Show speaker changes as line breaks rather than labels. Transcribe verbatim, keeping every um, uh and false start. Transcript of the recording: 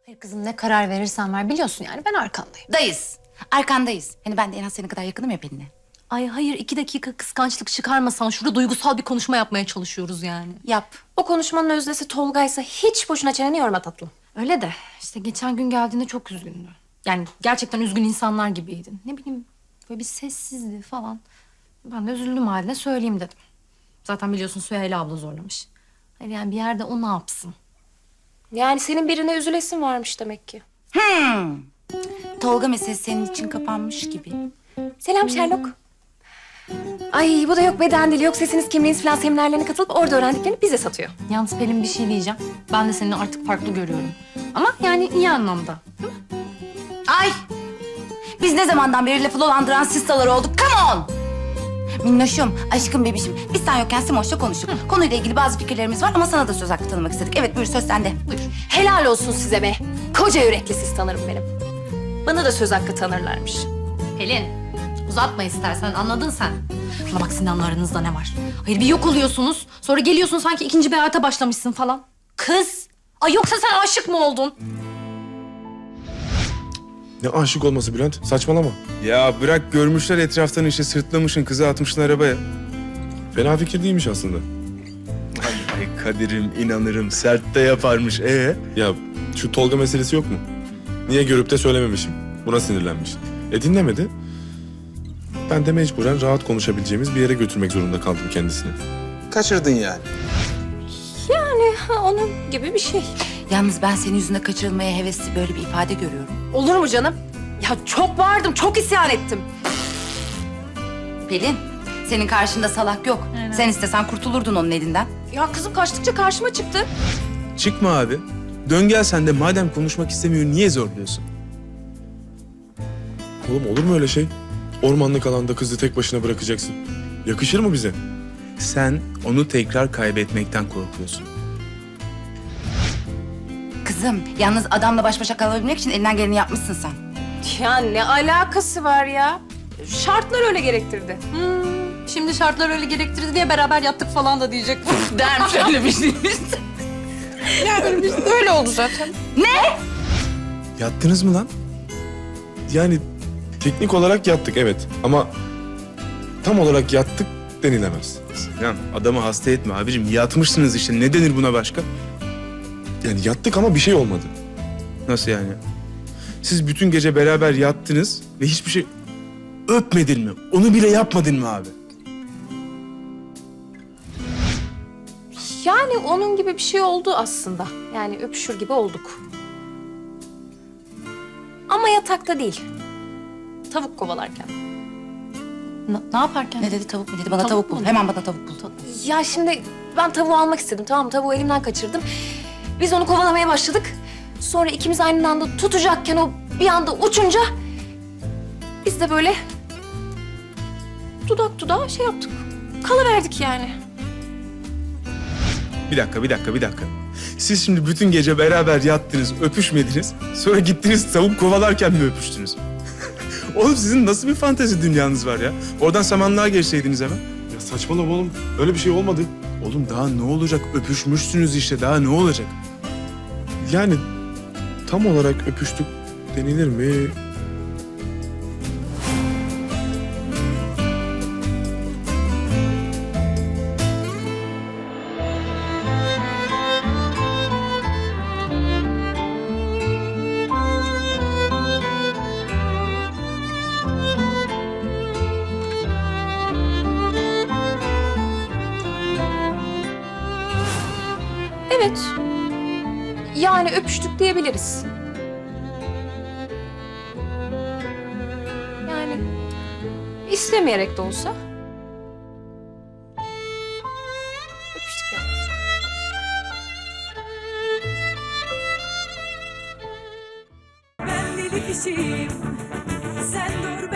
Kızım ne karar verirsen ver biliyorsun yani ben arkandayım.
Dayız. Arkandayız. Hani ben de en az senin kadar yakınım ya Pelin'e.
Ay hayır iki dakika kıskançlık çıkarmasan şurada duygusal bir konuşma yapmaya çalışıyoruz yani.
Yap.
O konuşmanın özdesi Tolga'ysa hiç boşuna çeneni yorma tatlım.
Öyle de işte geçen gün geldiğinde çok üzgündü. Yani gerçekten üzgün insanlar gibiydin. Ne bileyim böyle bir sessizdi falan. Ben de üzüldüm haline söyleyeyim dedim. Zaten biliyorsun Süheyla abla zorlamış. Hayır yani bir yerde o ne yapsın?
Yani senin birine üzülesin varmış demek ki.
Hmm. Tolga meselesi senin için kapanmış gibi.
Selam Sherlock. Ay bu da yok beden dili, yok sesiniz kimliğiniz falan seminerlerine katılıp orada öğrendiklerini bize satıyor.
Yalnız Pelin bir şey diyeceğim. Ben de seni artık farklı görüyorum. Ama yani iyi anlamda.
Ay! Biz ne zamandan beri lafı dolandıran sistalar olduk? Come on! Minnoşum, aşkım bebişim. Biz sen yokken Simoş'la konuştuk. Konuyla ilgili bazı fikirlerimiz var ama sana da söz hakkı tanımak istedik. Evet buyur söz sende.
Buyur.
Helal olsun size be. Koca yürekli siz tanırım benim. Bana da söz hakkı tanırlarmış.
Pelin uzatma istersen anladın sen. Bana bak Sinan'la aranızda ne var? Hayır bir yok oluyorsunuz. Sonra geliyorsun sanki ikinci bir hayata başlamışsın falan. Kız! Ay yoksa sen aşık mı oldun?
Ne aşık olması Bülent? Saçmalama.
Ya bırak görmüşler etraftan işte sırtlamışın kızı atmışsın arabaya.
Fena fikir değilmiş aslında.
Ay Kadir'im inanırım sert de yaparmış ee?
Ya şu Tolga meselesi yok mu? Niye görüp de söylememişim? Buna sinirlenmiş. E dinlemedi. Ben de mecburen rahat konuşabileceğimiz bir yere götürmek zorunda kaldım kendisini.
Kaçırdın yani.
Yani ha, onun gibi bir şey.
Yalnız ben senin yüzünde kaçırılmaya hevesli böyle bir ifade görüyorum.
Olur mu canım? Ya çok bağırdım, çok isyan ettim.
Pelin, senin karşında salak yok. Sen istesen kurtulurdun onun elinden.
Ya kızım kaçtıkça karşıma çıktı.
Çıkma abi. Dön gel sen de madem konuşmak istemiyor niye zorluyorsun?
Oğlum olur mu öyle şey? Ormanlık alanda kızı tek başına bırakacaksın. Yakışır mı bize?
Sen onu tekrar kaybetmekten korkuyorsun.
Kızım, yalnız adamla baş başa kalabilmek için elinden geleni yapmışsın sen.
Ya ne alakası var ya? Şartlar öyle gerektirdi.
Hmm, şimdi şartlar öyle gerektirdi diye beraber yattık falan da diyecek.
Dermiş öyle bir şey.
Öyle oldu zaten.
Yattınız mı lan?
Yani teknik olarak yattık evet ama tam olarak yattık denilemez.
Sinan adamı hasta etme abicim. Yatmışsınız işte. Ne denir buna başka?
Yani yattık ama bir şey olmadı.
Nasıl yani? Siz bütün gece beraber yattınız ve hiçbir şey öpmedin mi? Onu bile yapmadın mı abi?
Yani onun gibi bir şey oldu aslında. Yani öpüşür gibi olduk. Ama yatakta değil. Tavuk kovalarken.
Ne, ne yaparken?
Ne dedi tavuk mu dedi? Bana
Tavuk
tavuk, bul.
mu?
Hemen bana tavuk bul.
Ya şimdi ben tavuğu almak istedim tamam mı? Tavuğu elimden kaçırdım. Biz onu kovalamaya başladık. Sonra ikimiz aynı anda tutacakken o bir anda uçunca... ...biz de böyle... ...dudak dudağa şey yaptık. Kalıverdik yani.
Bir dakika, bir dakika, bir dakika. Siz şimdi bütün gece beraber yattınız, öpüşmediniz. Sonra gittiniz tavuk kovalarken mi öpüştünüz? Oğlum sizin nasıl bir fantezi dünyanız var ya? Oradan samanlığa geçseydiniz hemen.
Ya saçmalama oğlum. Öyle bir şey olmadı.
Oğlum daha ne olacak? Öpüşmüşsünüz işte. Daha ne olacak?
Yani tam olarak öpüştük denilir mi?
Evet. Yani öpüştük diyebiliriz. Yani istemeyerek de olsa öpüştük yani.
Ben deli kişiyim, sen dur